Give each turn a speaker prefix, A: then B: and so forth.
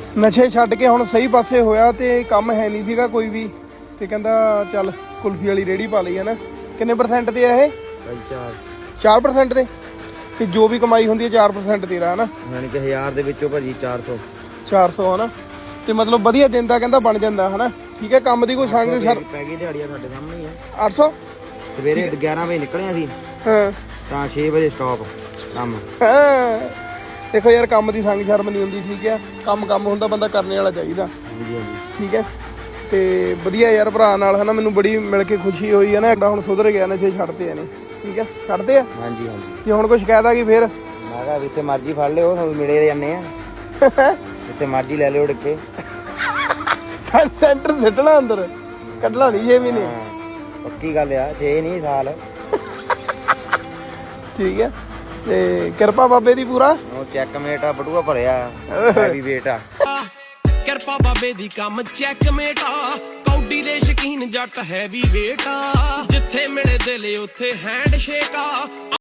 A: ਨਸ਼ੇ ਛੱਡ ਕੇ ਹੁਣ ਸਹੀ ਪਾਸੇ ਹੋਇਆ ਤੇ ਕੰਮ ਹੈ ਨਹੀਂ ਸੀਗਾ ਕੋਈ ਵੀ ਤੇ ਕਹਿੰਦਾ ਚੱਲ ਕੁਲਫੀ ਵਾਲੀ ਰੇਹੜੀ ਪਾ ਲਈ ਹੈ ਨਾ। ਕਿੰਨੇ % ਤੇ ਆ ਇਹ? 4% ਤੇ। ਤੇ ਜੋ ਵੀ ਕਮਾਈ ਹੁੰਦੀ ਹੈ 4% ਤੇਰਾ ਹੈ ਨਾ,
B: ਯਾਨੀ ਕਿ 1000 ਦੇ ਵਿੱਚੋਂ ਭਾਜੀ 400
A: ਹੈ ਨਾ। ਤੇ ਮਤਲਬ ਵਧੀਆ ਦਿਨ ਦਾ ਕਹਿੰਦਾ ਬਣ ਜਾਂਦਾ ਹੈ ਨਾ। ਠੀਕ ਹੈ, ਕੰਮ ਦੀ ਕੋਈ ਸੰਗ
B: ਪੈ ਗਈ ਦਿਹਾੜੀਆਂ ਸਾਡੇ ਸਾਹਮਣੇ ਹੀ ਆ।
A: 800
B: ਸਵੇਰੇ 11 ਵਜੇ ਨਿਕਲਿਆ ਸੀ
A: ਹਾਂ
B: ਤਾਂ 6 ਵਜੇ ਸਟਾਪ ਕੰਮ।
A: ਹਾਂ ਦੇਖੋ ਯਾਰ, ਕੰਮ ਦੀ ਸੰਗ ਸ਼ਰਮ ਨਹੀਂ ਹੁੰਦੀ। ਠੀਕ ਹੈ, ਕੰਮ ਹੁੰਦਾ, ਬੰਦਾ ਕਰਨੇ ਵਾਲਾ ਚਾਹੀਦਾ।
B: ਹਾਂਜੀ ਹਾਂਜੀ
A: ਠੀਕ ਹੈ, ਤੇ ਵਧੀਆ ਯਾਰ ਭਰਾ ਨਾਲ ਹੈ ਨਾ, ਮੈਨੂੰ ਬੜੀ ਮਿਲ ਕੇ ਖੁਸ਼ੀ ਹੋਈ ਹੈ ਨਾ। ਐਡਾ ਹੁਣ ਸੁਧਰ ਗਿਆ, ਨਸ਼ੇ ਛੱਡਦੇ ਆ ਨੇ। ਠੀਕ ਹੈ, ਛੱਡਦੇ ਆ।
B: ਹਾਂਜੀ ਹਾਂਜੀ।
A: ਤੇ ਹੁਣ ਕੁਛ ਕਹਿਦਾ ਕਿ ਫੇਰ
B: ਮੈਂ ਕਿਹਾ ਜਿੱਥੇ ਮਰਜ਼ੀ ਫੜ ਲਿਓ, ਤੁਹਾਨੂੰ ਮਿਲੇ ਜਾਂਦੇ ਆ ਜਿੱਥੇ ਮਰਜ਼ੀ ਲੈ ਲਿਓ ਡਿੱਕੇ।
A: ਸੈਂਟਰ ਸਿੱਟਣਾ ਅੰਦਰ, ਕੱਢਣਾ ਨਹੀਂ 6 ਮਹੀਨੇ।
B: ਪੱਕੀ ਗੱਲ ਆ, 6 ਨਹੀਂ ਸਾਲ।
A: ਠੀਕ ਹੈ, ਤੇ ਕਿਰਪਾ ਬਾਬੇ ਦੀ ਪੂਰਾ।
B: ਉਹ ਚੈੱਕਮੇਟ ਆ, ਬਟੂਆ ਭਰਿਆ ਹੈਵੀ ਵੇਟ ਆ।
C: ਕਿਰਪਾ ਬਾਬੇ ਦੀ ਕੰਮ ਚੈੱਕਮੇਟ ਆ। ਕੌਡੀ ਦੇ ਸ਼ਕੀਨ ਜੱਟ ਹੈਵੀ ਵੇਟ ਆ। ਜਿੱਥੇ ਮਿਲੇ ਦਿਲ ਉੱਥੇ ਹੈਂਡ ਸ਼ੇਕ ਆ।